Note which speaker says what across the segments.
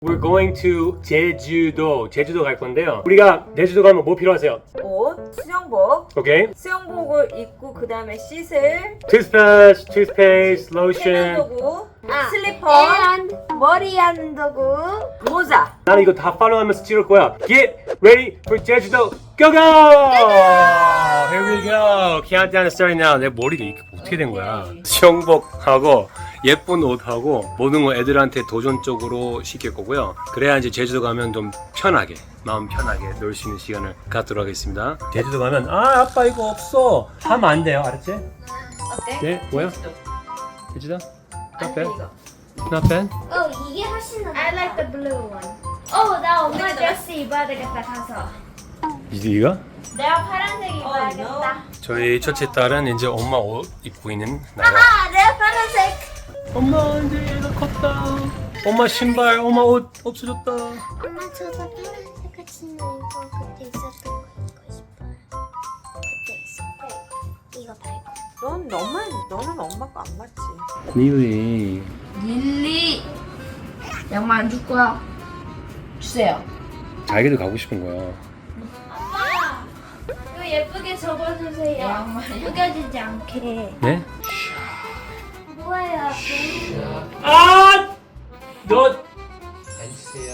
Speaker 1: We're going to 제주도. 제주도 갈 건데요. 우리가 제주도 가면 뭐 필요하세요?
Speaker 2: 옷, 수영복.
Speaker 1: 오케이.
Speaker 2: 수영복을 입고 그 다음에 씻을
Speaker 1: toothpaste, lotion.
Speaker 2: 세면도구, 슬리퍼,
Speaker 3: and 머리 하는 도구.
Speaker 2: 모자.
Speaker 1: 나는 이거 다 팔로우하면서 찍을 거야. Get ready for 제주도. Go go! Here we go. Countdown is starting now. 내 머리가 이렇게 어떻게 된 거야? 수영복하고 예쁜 옷하고 모든 거 애들한테 도전적으로 시킬 거고요. 그래야 이제 제주도 가면 좀 편하게 마음 편하게 놀 수 있는 시간을 갖도록 하겠습니다. 제주도 가면 아빠 이거 없어 하면 안 돼요. 알았지?
Speaker 2: 어때?
Speaker 1: 네 뭐야? 제주도? Not bad.
Speaker 2: 이거.
Speaker 1: Not bad.
Speaker 3: 이게 훨씬 나. I like the blue one. 나 엄마 드레스 입어야 되겠다 가서.
Speaker 1: 이거?
Speaker 3: 내가 파란색 입어야겠다.
Speaker 1: 저희 첫째 딸은 이제 엄마 옷 입고 있는 나라.
Speaker 3: 내가 파란색.
Speaker 1: 엄마 이제 얘가 컸다. 엄마 신발, 엄마 옷 없어졌다.
Speaker 3: 엄마 저도 파란색 같이 입고 그때 있었던 거 입고 싶어요. 그때 있었고 이거 말고.
Speaker 2: 너는 엄마 거 안 맞지?
Speaker 1: 릴리.
Speaker 3: 릴리. 양말 안 줄 거야. 주세요.
Speaker 1: 자기도 가고 싶은 거야.
Speaker 3: 엄마. 이거 예쁘게 접어주세요. 양말 구겨지지 않게.
Speaker 1: 네?
Speaker 3: 뭐예요?
Speaker 1: 아! 너 앉으세요.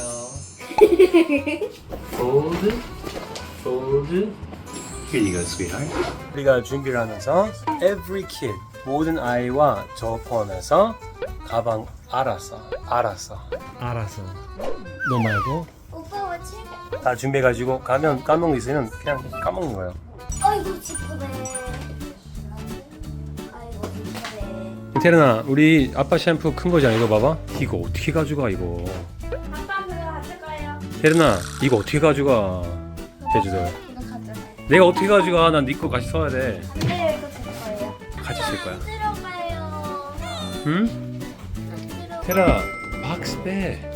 Speaker 1: Fold, fold. Here you go, sweetheart. 우리가 준비를 하면서 every kid, 모든 아이와 저 포함해서 가방 알아서. 너 말고
Speaker 3: 오빠 뭐 책?
Speaker 1: 다 준비해가지고 가면 까먹는 거 있으면 그냥 까먹는 거예요.
Speaker 3: 아이고 지푸네. 아이고 지푸네.
Speaker 1: 태련아, 우리 아빠 샴푸 큰 거잖아. 이거 봐봐. 이거 어떻게 가져가 이거?
Speaker 3: 아빠 그거 가져가요.
Speaker 1: 태련아, 이거 어떻게 가져가? 제주도.
Speaker 3: 이거 가져가요.
Speaker 1: 내가 어떻게 가져가? 난 네 거 같이 써야 돼.
Speaker 3: 네, 이거 제 거예요.
Speaker 1: 같이 쓸 거야.
Speaker 3: 안 들어가요.
Speaker 1: 응?
Speaker 3: 안 들어가요.
Speaker 1: 테라, 박스 빼.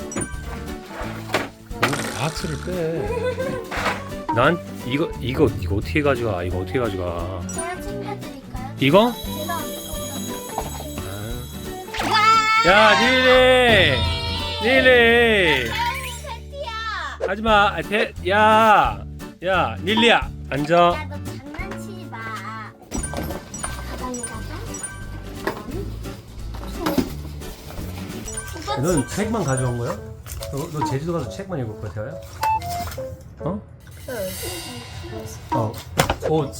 Speaker 1: 박스를 빼. 난 이거 어떻게 가져가? 이거 어떻게 가져가?
Speaker 3: 제가 챙겨드릴까요?
Speaker 1: 이거?
Speaker 3: 제가
Speaker 1: 야, 닐리. 하지마. 야, 닐리야, 앉아.
Speaker 3: 야, 너 장난치지 마. 가방에다가. 오빠
Speaker 1: 넌 책만 가져온 거야? 너 제주도 가서 책만 읽을 거야, 태아야? 어? 옷,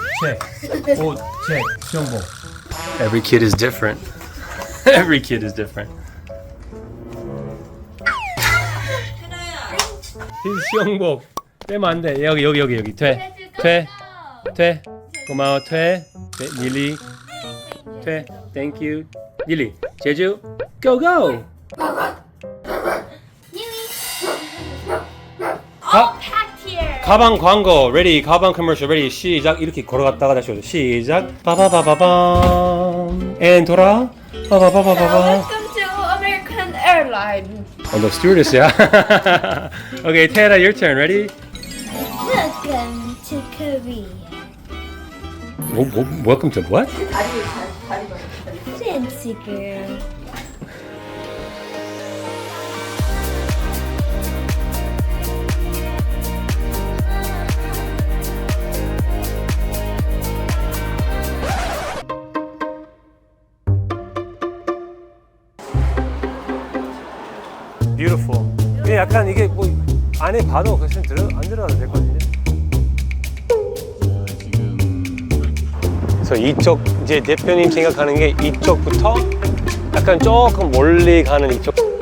Speaker 1: 책, 수영복. Every kid is different. Every kid is different. 이 수영복 빼면 안 돼. 여기. 퇴. 고마워, 퇴. 네, 닐리. 퇴. Thank you. 닐리. 제주. Go go.
Speaker 3: packed here.
Speaker 1: 가방 광고 ready. 가방 커머셜 ready. 시작. 이렇게 걸어갔다가 다시 오죠. 시작. 빠바바바밤. and 돌아. 빠바바바바밤.
Speaker 3: Welcome to American Airlines.
Speaker 1: 너 스튜어디스야. Okay, Tara, your turn. Ready?
Speaker 3: Welcome to Korea.
Speaker 1: Welcome to what?
Speaker 3: Fancy girl.
Speaker 1: Beautiful. 근데 약간 이게 뭐 안에 봐도 그냥 안 들어가도 될 것 같은데. 그래서 이쪽 이제 대표님 생각하는 게 이쪽부터 약간 조금 멀리 가는 이쪽.